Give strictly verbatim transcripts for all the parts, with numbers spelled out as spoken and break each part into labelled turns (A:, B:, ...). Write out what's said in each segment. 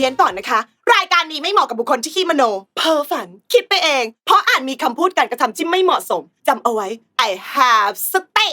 A: ยนก่อนนะคะรายการนี้ไม่เหมาะกับบุคคลที่ขี้มโนเพ้อฝันคิดไปเองเพราะอาจมีคำพูดการกระทำที่ไม่เหมาะสมจำเอาไว้ I have stay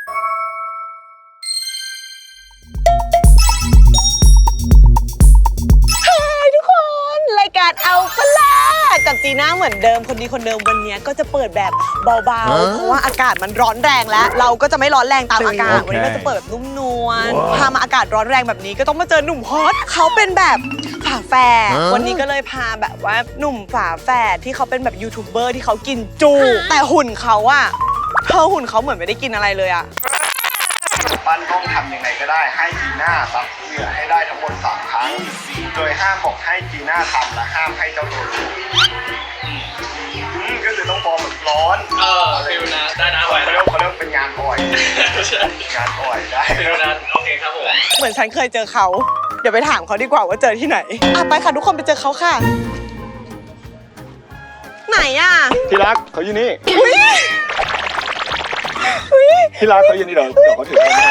A: ทุกคนรายการเอาปะล่ะกับจีน่าเหมือนเดิมคนดีคนเดิมวันนี้ก็จะเปิดแบบเบาๆเพราะว่าอากาศมันร้อนแรงแล้วเราก็จะไม่ร้อนแรงตามอากาศวันนี้ก็จะเปิดแบบนุ่มนวลพามาอากาศร้อนแรงแบบนี้ก็ต้องมาเจอหนุ่มฮอตเขาเป็นแบบฝาแฝดวันนี้ก็เลยพาแบบว่าหนุ่มฝาแฝดที่เขาเป็นแบบยูทูบเบอร์ที่เขากินจูแต่หุ่นเขาอะเธอหุ่นเขาเหมือนไม่ได้กินอะไรเลยอะ
B: ปั้นต้องทำยังไงก็ได้ให้จีน่าซับเหงื่อให้ได้ทั้งหมดสามครั้งโดยห้ามบอกให้จีน่าทำและห้ามให้เจ้าตัวรู้ก็คือต้องบอกแบบร้อน
C: เออฟิลนะได้นะไหว
B: เขาเรียกเขาเรียกเป็นงานอ่อยงานอ่อยได้
C: ฟิลนะโอเคครับผม
A: เหมือนฉันเคยเจอเขาเดี๋ยวไปถามเขาดีกว่าว่าเจอที่ไหนอ่ะไปค่ะทุกคนไปเจอเขาค่ะไหนอ่ะ
B: ที่รักเขาอยู่นี่ที่รักเขาอยู่นี่เดี๋ยวเดี๋ยวเขาถือร่มให้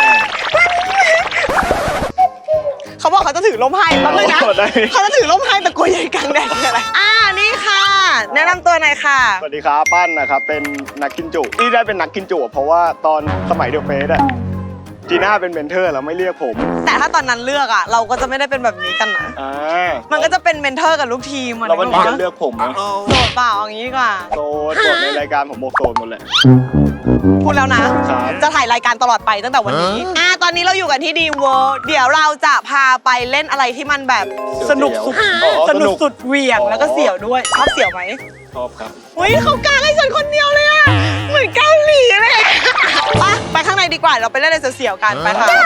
A: เขาบอกเขาจะถือร่มให้แป๊บนึงนะเขาจะถือร่มให้แต่กลัวใหญ่กลางแดดอะไรอ่านี่ค่ะแนะนำตัวหน่อยค่ะ
B: สวัสดีครับปั้นนะครับเป็นนักกินจุที่ได้เป็นนักกินจุเพราะว่าตอนสมัยเดอะเฟสอะจีน่าเป็นเมนเทอร์แล้วไม่เรียกผม
A: แต่ถ้าตอนนั้นเลือกอะเราก็จะไม่ได้เป็นแบบนี้กันนะ
B: อ่า
A: มันก็จะเป็นเมนเทอร์กับลูกทีม
B: เราวันนี้จะเลือกผมนะ
A: โสดเปล่าอย่างนี้ดีกว่า
B: โสดโสดในรายการผมบอกโสดหมดเลย
A: พูดแล้วนะจะถ่ายรายการตลอดไปตั้งแต่วันนี้อ่าตอนนี้เราอยู่กันที่ดีเวิร์เดี๋ยวเราจะพาไปเล่นอะไรที่มันแบบสนุกสุดสนุกสุดเหวี่ยงแล้วก็เสี่ยวด้วยชอบเสี่ยวไหม
B: ชอบครับ
A: เฮ้ยเขากางให้ฉันคนเดียวเลยอะเหมือนเกาหลีเลยไปไปข้างในดีกว่าเราไปเล่นอะไรเสี่ยวๆกันไปค่ะ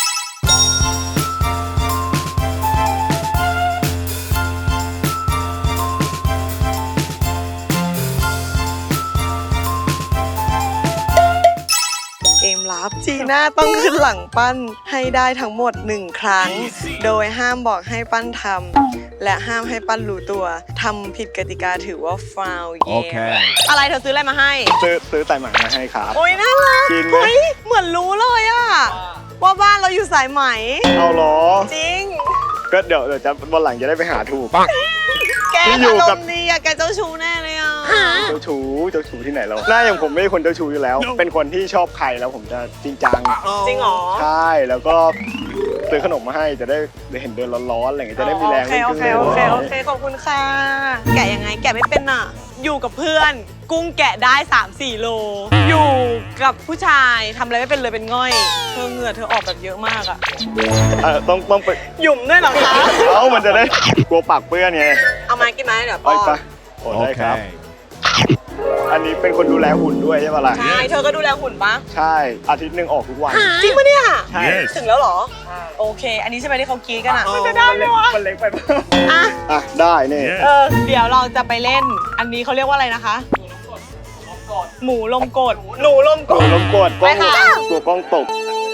A: เกมลับจีน่าต้องขึ้นหลังปั้นให้ได้ทั้งหมดหนึ่งครั้งโดยห้ามบอกให้ปั้นทำและห้ามให้ปั้นรู้ตัวทำผิดกติกาถือว่าฟาวล์เกมอะไรเธอซื้ออะไรมาให้
B: ซื้อซื้อสายไหมมาให้ครับ
A: โอ้ยน่ารักเฮ้ยเหมือนรู้เลยอะว่าบ้านเราอยู่สายไหม
B: เอาหรอ
A: จริง
B: ก็เดี๋ยวเดี๋ยวจะวันหลังจะได้ไปหาถูก
A: แกอารมณ์ดีอะแกเจ้าชู้แน่เลยอะ
B: เจ้าชู้เจ้าชู้ที่ไหนเราหน้าอย่างผมไม่ใช่คนเจ้าชู้อยู่แล้วเป็นคนที่ชอบใครแล้วผมจะจริงจัง
A: จริงหรอ
B: ใช่แล้วก็ซื้อขนมมาให้จะได้เห็นเดินร้อนๆอะไรอย่างเงี้ยจะได้มีแรง
A: ขึ้นโอเคโอเคโอเคขอบคุณค่ะแกะยังไงแกะไม่เป็นอะอยู่กับเพื่อนกุ้งแกะได้ สามสี่ โลอยู่กับผู้ชายทำอะไรไม่เป็นเลยเป็นง่อยเธอเหงื่อเธอออกแบบเยอะมากอะ
B: เออต้องต้องไป
A: หยุ่มด้วยเหรอคะ
B: เอ้ามันจะได้กลัวปากเปื้อนไง
A: เอามากินไหมเดี๋ยวป้อน
B: โอเคครับอันนี้เป็นคนดูแลหุ่นด้วยใช่ปะล่ะ
A: ใช่เธอก็ดูแลหุ่นปะ
B: ใช่อาทิตย์หนึ่งออกทุกวัน
A: จริงปะเนี่ย
B: ใช่
A: ถึงแล้วเหรอโอเคอันนี้ใช่ไหมที่เขากรี๊ดกันอ่ะมันจะได้ไหมวะ
B: มันเล็กไปอ่ะอ่ะได้นี่
A: เออเดี๋ยวเราจะไปเล่นอันนี้เขาเรียกว่าอะไรนะคะหมูลมกดหนูลมกด
B: หนูลมกดกล้องกลัวกล้องตก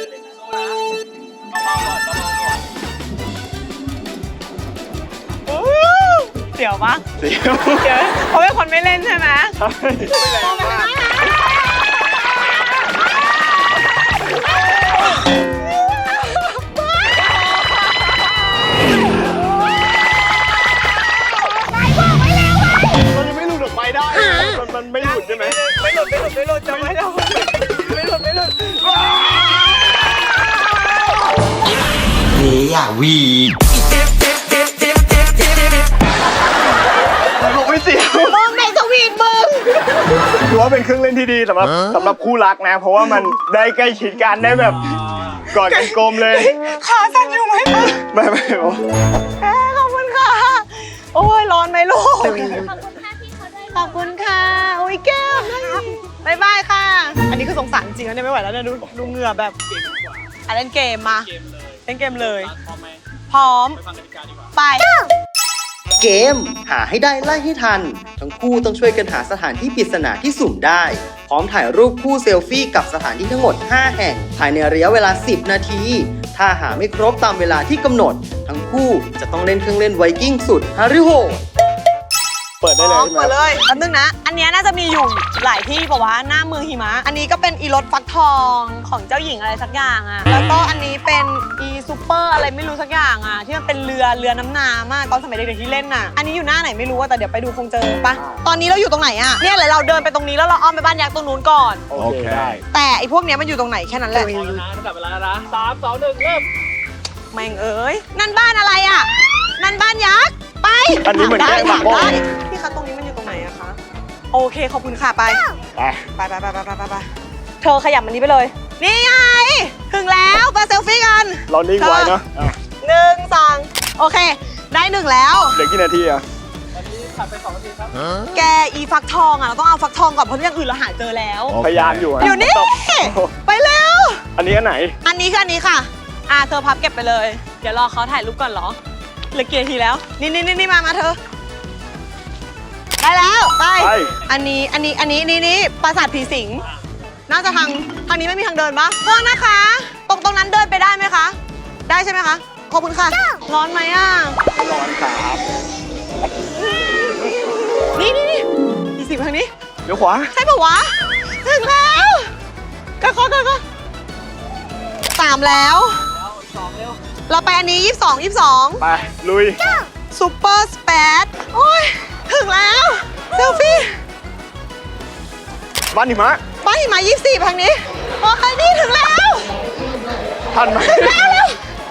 A: เสียวปะ
B: เสียว
A: เดี๋ยวเขาเป็นคนไม่เล่นใช่ไหม
B: ใช่มันยังไม่หลุดออกไปได้มันมันไม่หลุดใช่ไหม
A: ไม่หลุดไม่หลุดไม่หลุดจะไม่หลุดไม่หลุดไม่หลุด
D: เฮียวี
B: ผมไม่เสียว
A: มึงในสวีทมึง
B: ถือว่าเป็นเครื่องเล่นที่ดีสำหรับสำหรับคู่รักนะเพราะว่ามันได้ใกล้ชิดกันได้แบบกอดกันกลมเลย
A: ขาสั่นอยู่ไหม
B: ไม่ไม่โอ้
A: ขอบคุณค่ะโอ้ยร้อนไหมลูกขอบคุณค่ะโอ้ยแก้มบายบายค่ะอันนี้คือสงสารจริงๆเนี่ยไม่ไหวแล้วเนี่ยดูดูเหงื่อแบบอ่ะเล่นเกมมาเล่นเกมเลยพร้อมไป
D: เกมหาให้ได้ไล่ให้ทันทั้งคู่ต้องช่วยกันหาสถานที่ปริศนาที่สุ่มได้พร้อมถ่ายรูปคู่เซลฟี่กับสถานที่ทั้งหมดห้าแห่งภายในระยะเวลาสิบนาทีถ้าหาไม่ครบตามเวลาที่กำหนดทั้งคู่จะต้องเล่นเครื่องเล่นไวกิ้งสุดฮาริโหด
E: เปิดได้เลย
A: อ๋อ
E: ใช่ไหม
A: เปิดเลยแป๊บนึงนะ อันเนี้ยน่าจะมีอยู่หลายที่ป่าวะหน้าเมืองหิมะ อันนี้ก็เป็นอีรถฟักทองของเจ้าหญิงอะไรสักอย่างอ่ะ แล้วก็อันนี้เป็นอีซูเปอร์อะไรไม่รู้สักอย่างอ่ะ ที่มันเป็นเรือเรือน้ำน้ำอ่ะตอนสมัยเด็กๆที่เล่นน่ะ อันนี้อยู่หน้าไหนไม่รู้อะแต่เดี๋ยวไปดูคงเจอปะตอนนี้เราอยู่ตรงไหนอ่ะ เนี่ยเลยเราเดินไปตรงนี้แล้วเราอ้อมไปบ้านยักษ์ตรงนู้นก่อน
E: โอเคได้
A: แต่ไอ้พวกเนี้ยมันอยู่ตรงไหนแค่นั้นแหละ
C: พอแล้วนะตั้งแต่เวลาแล้วนะสามสองหนึ่งเริ่ม
A: แม่งเอ้ย นั่นบ้านอะไรอ่ะ นั่นบ้านยักษ์ ไป
E: อันนี้เหมือน
A: ถา
E: แกล้งหมา
A: ถาม
E: โป้
A: ได้พี่คะตรงนี้มันอยู่ตรงไหนอะคะ โอเคขอบคุณค่ะไป
E: ไป
A: ไปไปไปไปไปไปไปเธอขยับมันนี้ไปเลย นี่ไง ถึงแล้วไปเซลฟี่กัน
E: เรานิ่งไว้เนาะอ่ะ
A: หนึ่งสองโอเค ได้หนึ่งแล้ว
E: เดี๋ยวกี่นาทีอ่ะ
C: ตอนนี้ผ่านไปสองนาทีครับ
A: แกอีฟักทองอ่ะเราต้องเอาฟักทองก่อนเพราะอย่างอื่นเราหาเจอแล้ว
E: พยายามอยู่ะ
A: อยู่นี่ ไปเร็ว
E: อันนี้อันไหน
A: อันนี้คืออันนี้ค่ะ อ่าเธอพับเก็บไปเลย เดี๋ยวรอเขาถ่ายรูปก่อนเหรอเหลือกี่นาทีแล้ว นี่นี่นี่มา มาเธอ ได้แล้ว ไป
E: ไป
A: อันนี้ อันนี้ อันนี้ นี่นี่ปราสาทผีสิง น่าจะทาง ทางนี้ไม่มีทางเดินปะโทษนะคะ ตรงตรงนั้นเดินไปได้ไหมคะ ได้ใช่ไหมคะ ขอบคุณค่ะ ร้อนไหมอ่ะ
E: ร้อนครับ
A: นี่นี่นี่ผีสิงทางนี้
E: เดี๋ยวขวา
A: ใช่ปะวะ ถึงแล้วก็ก็ก็ก็สามแล้ว
C: สองเร็ว
A: เราไปอันนี้ยี่สิบสองยี่สิบสอง
E: ไป ลุย
A: ซูเปอร์สเปดโอ้ย ถึงแล้ว เซลฟี่
E: บ้านหิมะ
A: บ้านหิมะยี่สิบสี่ทางนี้โอเคนี่ถึงแล้ว
E: ทันไหม
A: ถึงแล้วเร็ว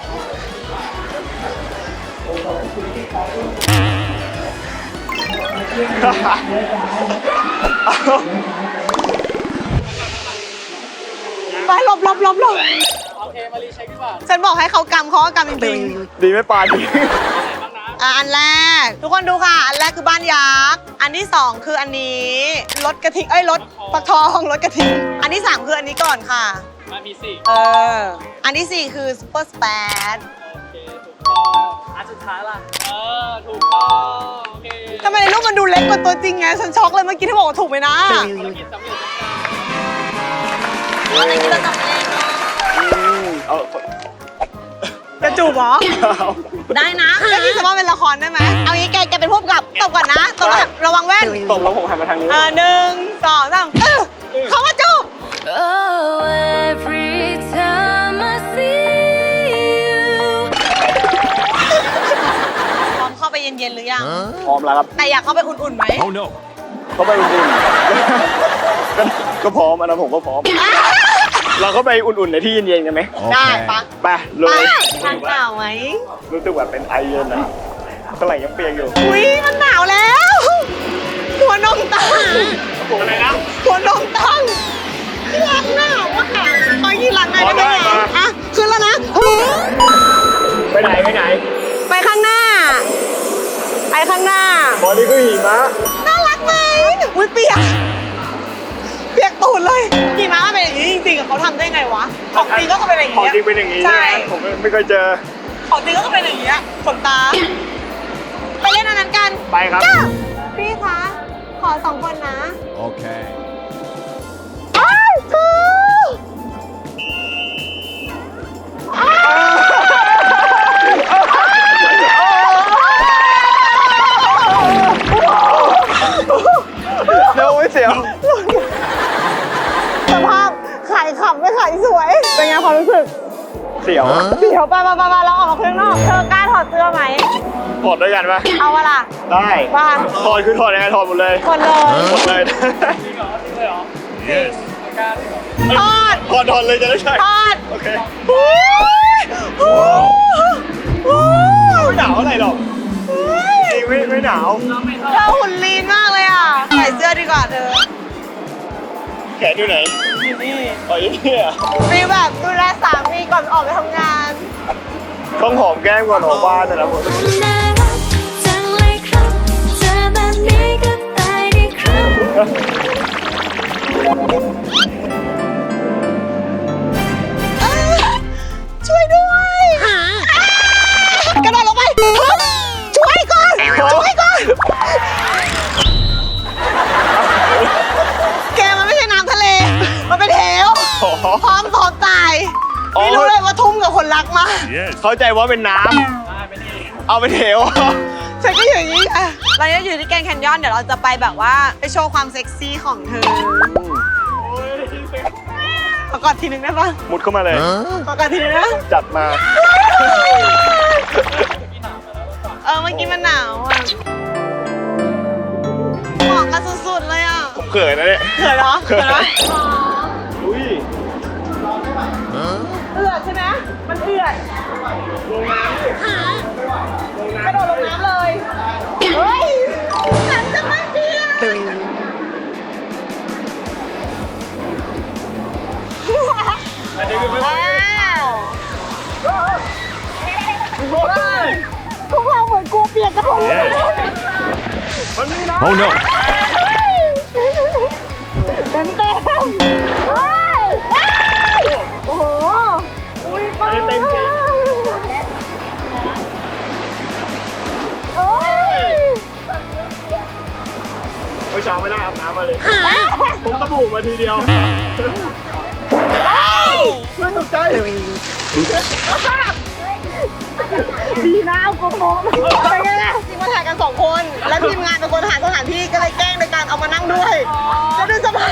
A: ไปหลบหลบหลบหลบ
C: โอเคมารีเช็คดีกว่า
A: ฉันบอกให้เขากำเขาก็กำจริง
E: ดีไหม่ปลาดี
A: ๆอ่ะอันแรก ทุกคนดูค่ะ อันแรกคือบ้านยักษ์ อันที่สองคืออันนี้รถกระทิงเอ้ยรถปักทองรถกระทิง อันที่สามคืออันนี้ก่อนค่ะ
C: มาพีสี่
A: เออ อันที่สี่คือซูเปอร์สเปด
C: โอเคถูกต้องอันสุดท้ายล่ะ เออถูกต้องโอเค
A: ทำไมในรูปมันดูเล็กกว่าตัวจริงไง ฉันช็อกเลยเมื่อกี้ที่บอกว่าถูกไหมนะ
C: ภารกิจสำเร็จ
A: อะไรที่เราทำเอง
E: อืมเอา
A: จะจูบเหรอ
E: เอา
A: ได้นะก็คิดซะว่าเป็นละครได้ไหม เอางี้แกแกเป็นผู้กำกับตบก่อนนะตบก่อนระวังแว่น
E: ตบแล้วผมหันมาทางนี้
A: เออหนึ่งสองสามเออเขามาจูบ
F: Oh, every time I see you.
A: พร้อมเข้าไปเย็นๆหรือยัง
E: พร้อมแล้วครับ
A: แต่อยากเข้าไปอุ่นๆไหม
E: เข้าไปอุ่นๆก็ก็พร้อมอันนั้นผมก็พร้อม เราก็ไปอุ่นๆในที่เย็นๆกันไหม
A: ได้ปะ
E: ไปเล
A: ไป
E: ย
A: ทานเปล่าไหม
E: รู้สึกแบบเป็นไอเย็นนะเท่าไหร่ยังเปียกอยู่
A: อุ้ยมันหนาวแล้วหัวนมตั้ง
E: อะไรนะ
A: หัวนมตั้งที่รักหนาวอะค่ะขอยีหลังหน่อยได้ไหม
E: ขอได้มา
A: อ่ะขึ้นแล้วนะ
E: ไปไหนไปไหน
A: ไปข้างหน้า ไปข้างหน้า
E: บอดี้คือหิมะ
A: น่ารักไหมอุ้ยเปียก เปียกตูดเลยขี่ม้ามันเป็นอย่างนี้จริงๆอะเขาทำได้ไงวะ ของจริงก็เป็นอย่าง
E: ของ
A: นี้
E: จริงเป็นอย่างนี้
A: ใช่
E: ใช่ไหมผมไม่เคยเจอ
A: ของจริงก็เป็นอย่างนี้ขนตา ไปเล่นอันนั้นกัน
E: ไปครับ
A: พี่คะ ขอสองคนนะ
G: Okay.
A: อ้าวคือ
E: เร็วไม่เสียว
A: สภาพขายขำไม่ขายสวย เป็นไงความรู้สึก
E: เสียว
A: เดี๋ยวไปไปไปไปเราออกมาข้างนอก เธอกล้าถอดเสื้อไหม
E: ถอดด้วยกันปะ
A: เอาวะล่ะ
E: ได้
A: ว่า
E: ถอดคือถอดยังไงถอดหมดเลย
A: คนเลย
E: หมดเลย
G: Yes.
A: ทอด
E: ถอดถอดเลยจะได้ใช่
A: ทอด
E: โอเค
A: โอ้ยโอ้ยโอ้ย
E: ไม่หนาวอะไรหรอกจริงไม่ไม่หนาว
A: เธอหุ่นลีนมากเลยอ่ะ ใส่เสื้อดีกว่าเธอ
E: แขนอยู่ไหน
A: อยู่นี่
E: อ๋ออยู่นี่อ่ะ
A: ฟีลแบบดูแลสามีก่อนออกไปทำงาน
E: ต้องหอมแก้มก่อนออกบ้านแต่ละคน
F: น่ารักจังเลยครับเจอแบบนี้ก็ตายดีครับ
A: ช่วยด้วยกระโดดลงไปช่วยก่อน ช่วยก่อน แกมันไม่ใช่น้ำทะเล มันเป็นเหว
E: อ๋อ
A: พร้อมพร้อมตาย
E: อ๋อ
A: ไม่รู้เลยว่าทุ่มกับคนรักมาก
G: Yes.
E: เข้าใจว่าเป็นน้ำเอาไปเถว
A: ฉฉันก็อยู่อย่างนี้ค่ะเราเนี่ยอยู่ที่แกรนด์แคนยอนเดี๋ยวเราจะไปแบบว่าไปโชว์ความเซ็กซี่ของเธอขอกอดทีนึงได้ปะ
E: มุดเข้ามาเลย
A: ขอกอดทีนึงนะ
E: จัดมา
A: เออเมื่อกี้มันหนาวอ่ะเหมาะกันสุดๆเลยอ่ะ
E: ผมเขินนะเนี่ย
A: เขินเหรอเขินเหรอ
E: อุ้ย
A: เอือดใช่ไหมมันเอือดลงน้ำกระโดดลงน้ำเลยเฮ้ยฉันจะไม่เปียกว้าวพวกเราเหมือนกลัวเปียกกันหมดเลย
G: Oh no.
A: เต็มเต็มโอ้โหอุ้ยป้าเต็มเต็มโอ้ย
E: เมื่อเช้าไม่ได้อาบน้ำมาเลย ผมตะบูมาทีเดียวไม่ตกใจ
A: ดีนะเอาโกโก้ไปไงล่ะจริงมาถ่ายกันสองคน แล้วทีมงานเป็นคนหาสถานที่ก็เลยแกล้งในการเอามานั่งด้วยแล้วดูสภาพ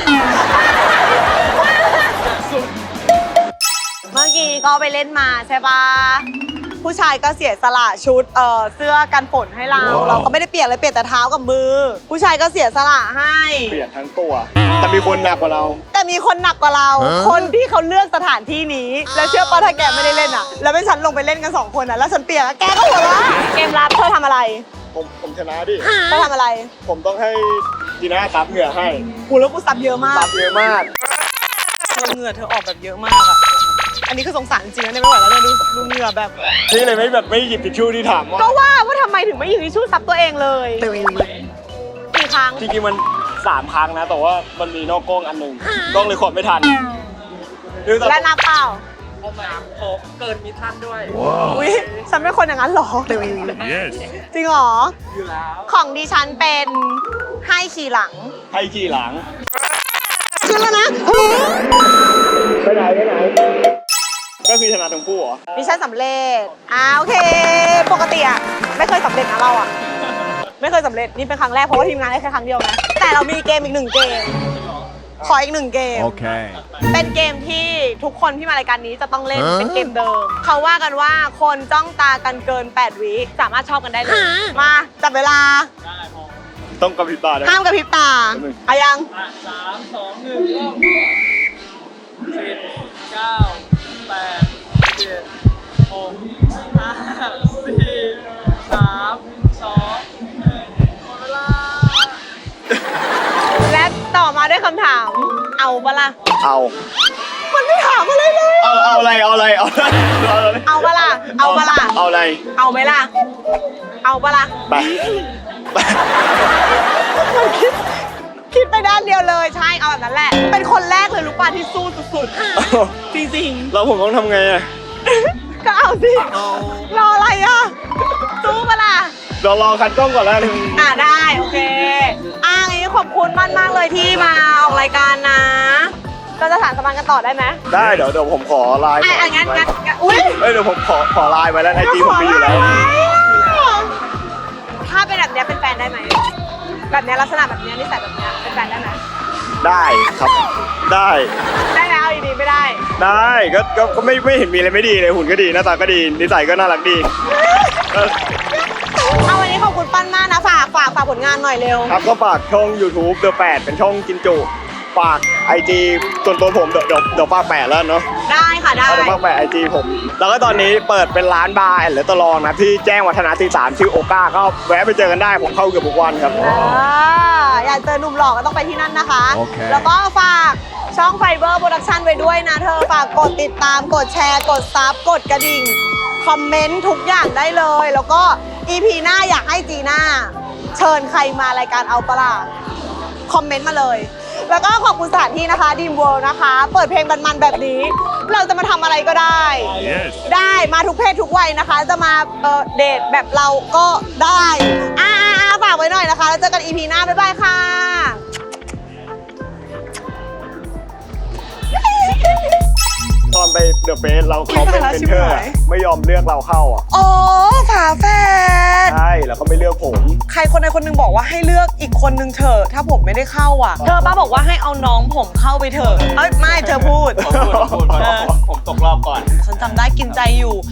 A: เมื่อกี้ก็ไปเล่นมาใช่ปะผู้ชายก็เสียสละชุดเอ่อเสื้อกันฝนให้เรา เราก็ไม่ได้เปียกเลยเปียกแต่เท้ากับมือ ผู้ชายก็เสียสละให้
E: เปลี่ยนทั้งตัว แต่มีคนหนักกว่าเรา
A: แต่มีคนหนักกว่าเรา คนที่เขาเลือกสถานที่นี้ แล้วเชื่อป่ะถ้าแกไม่ได้เล่นอ่ะ แล้วเป็นฉันลงไปเล่นกันสองคนอ่ะ แล้วฉันเปียกอะแกก็หัวเราะเกมรับเธอทำอะไร
E: ผมผมชนะดิ
A: เธอทำอะไร
E: ผมต้องให้จีน่าซับเหงื่อให้
A: กูแล้วกูซับเยอะมาก
E: ซับเยอะมาก
A: เธอเหงื่อเธอออกแบบเยอะมากอ่ะ อันนี้คือสงสารจริงๆนะเนี่ยไม่ไหวแล้วเนี่ยดูดูเหงื่อแบบ
E: นี่เลยไม่แบบไม่หยิบทิชชู่ที่ถามว่า
A: ก็ว่าว่าทำไมถึงไม่หยิบทิชชู่ซับตัวเองเลยกี่ครั้ง
E: จริงๆมันสามครั้งนะ แต่ว่ามันมีนอกกล้องอันหนึ่งกล้องเลยขอดไม่ทันเรื่องต่อ
A: และนับเปล่า
C: เอามาโคเกินมิทันด้วย
A: อุ้ยฉันเป็นคนอย่างนั้นเหรอ
G: Yes.
A: จริงเหรอ
C: อยู่แล้ว
A: ของดิฉันเป็นให้ขี่หลัง
E: ให้ขี่หลัง
A: ขึ้นแล้วนะ
E: ไปไหนไปไหน ก็คือชนะทั้งคู่เหรอ
A: ดิฉันสำเร็จอ่าโอเค ปกติอะไม่เคยสำเร็จนะเราอะไม่เคยสำเร็จ นี่เป็นครั้งแรกเพราะว่าทีมงานได้แค่ครั้งเดียวนะ แต่เรามีเกมอีกหนึ่งเกม ขออีกหนึ่งเกม
G: Okay.
A: เป็นเกมที่ทุกคนที่มารายการนี้จะต้องเล่น เป็นเกมเดิม เขาว่ากันว่าคนจ้องตากันเกินแปดวิสามารถชอบกันได้เลย มาจับเวลา
E: ต้องกระพริบตาด้วย
A: ห้ามกระพริบตา
E: หนึ่ง
A: อายัง
C: อ่ะสามสองหนึ่งเริ่มสิบเก้าแปดเจ็ดหกห้าสี่สามสองหนึ่งหมดเวลา
A: และต่อมาด้วยคำถาม เอาปะล่ะ
E: เอา
A: มันไม่ถามอะไรเลย
E: เอาเอาอะไร เอาอะไร เอาอะไรเอาอะไร
A: เอาปะล่ะ เอาปะล่ะ
E: เอาอะไร
A: เอาไหมล่ะ เอาปะล่ะ
E: ไปไป
A: มันคิดคิดไปด้านเดียวเลย ใช่ เอาแบบนั้นแหละ เป็นคนแรกเลยรู้ป่ะที่สู้สุดๆ จริง
E: แล้วผมต้องทำไงอะ
A: ๆ ก็เอาสิ รออะไรอ่ะ สู้ปะล่ะ
E: เดี๋ยวรอคัดกล้องก่อนแล้ว
A: อ่าได้ โอเค อ่างี้ขอบคุณมากมากๆเลยที่มาออกรายการนะ เราจะถามสมานกันต่อได้ไหม
E: ได้เดี๋ยวเดี๋ยวผมขอไลน์
A: อ่ะ
E: ก่
A: อ่ะงั้นงั้นงั้นอุ้ย
E: เอ้ยเดี๋ยวผมขอขอไลน์ไว้แล้วไอจีผมมีอยู่แล้ว
A: ถ้าเป็นแบบเนี้ยเป็นแฟนได้ไหม แบบเนี้ยลักษณะแบบเนี้ยนิสัยแบบเนี้ยเป็นแฟนได้ไหม
E: ได้ครับ ได้
A: ได้แล้วอีดีไม่ได้
E: ได้ก็ก็ก็ไม่ไม่เห็นมีอะไรไม่ดีเลยหุ่นก็ดีหน้าตาก็ดีนิสัยก็น่ารักดีเออ
A: เอาวันนี้ขอบคุณปั้นมากนะ ฝากฝากฝากผลงานหน่อยเร็ว
E: ครับก็ฝากช่อง YouTube เดอะแปดเป็นช่องกินจุฝากไอจีส่วนตัวผมเดี๋ยวเดี๋ยวเดี๋ยวฝากแปดแล้วเนาะ
A: ได้ค่ะได้
E: เอาเดี๋ยวฝากแปดไอจีผม แล้วก็ตอนนี้เปิดเป็นร้านบาร์แอนด์เลสตอรองนะที่แจ้งวัฒนะที่สามชื่อโอก้าก็แวะไปเจอกันได้ผมเข้าเกือบทุกวันครับ
A: อ่าอยากเจอหนุ่มหล่อก็ต้องไปที่นั่นนะคะ
G: โอเค
A: แล้วก็ฝากช่องไฟเบอร์โปรดักชันไว้ด้วยนะเธอ ฝากกดติดตาม กดแชร์ กดซับ กดกระดิ่ง คอมเมนต์ทุกอย่างได้เลย แล้วก็ อี พี หน้าอยากให้จีน่าเชิญใครมารายการเอาปะล่ะคอมเมนต์มาเลย แล้วก็ขอบคุณสถานที่นะคะดีมเวิลด์นะคะ เปิดเพลงมันๆแบบนี้ เราจะมาทำอะไรก็ได้
G: Yes.
A: ได้มาทุกเพศทุกวัยนะคะ จะมาเอ่อเดทแบบเราก็ได้อ่าๆๆฝากไว้หน่อยนะคะแล้วเจอกัน อี พี หน้า บ๊ายบายค่ะ
E: ตอนอนไปเดอะเฟสเราเขาเป็น
A: ไม่
E: เมน
A: ชิบ
E: เทอร์
A: หาย
E: ไม่ยอมเลือกเราเข้าอ่ะ
A: อ๋อฝาแฝด
E: ใช่แล้วก็ไม่เลือกผม
A: ใครคนใดคนหนึงบอกว่าให้เลือกอีกคนนึงเถอะถ้าผมไม่ได้เข้าอ่ะ เธอป้าบอกว่าให้เอาน้องผมเข้าไปเถอะเอ้ยไม่เธอพูด
C: ผมพูดผมพูดเพราะผมตกรอบก่อน
A: ฉันจำได้กินใจอยู่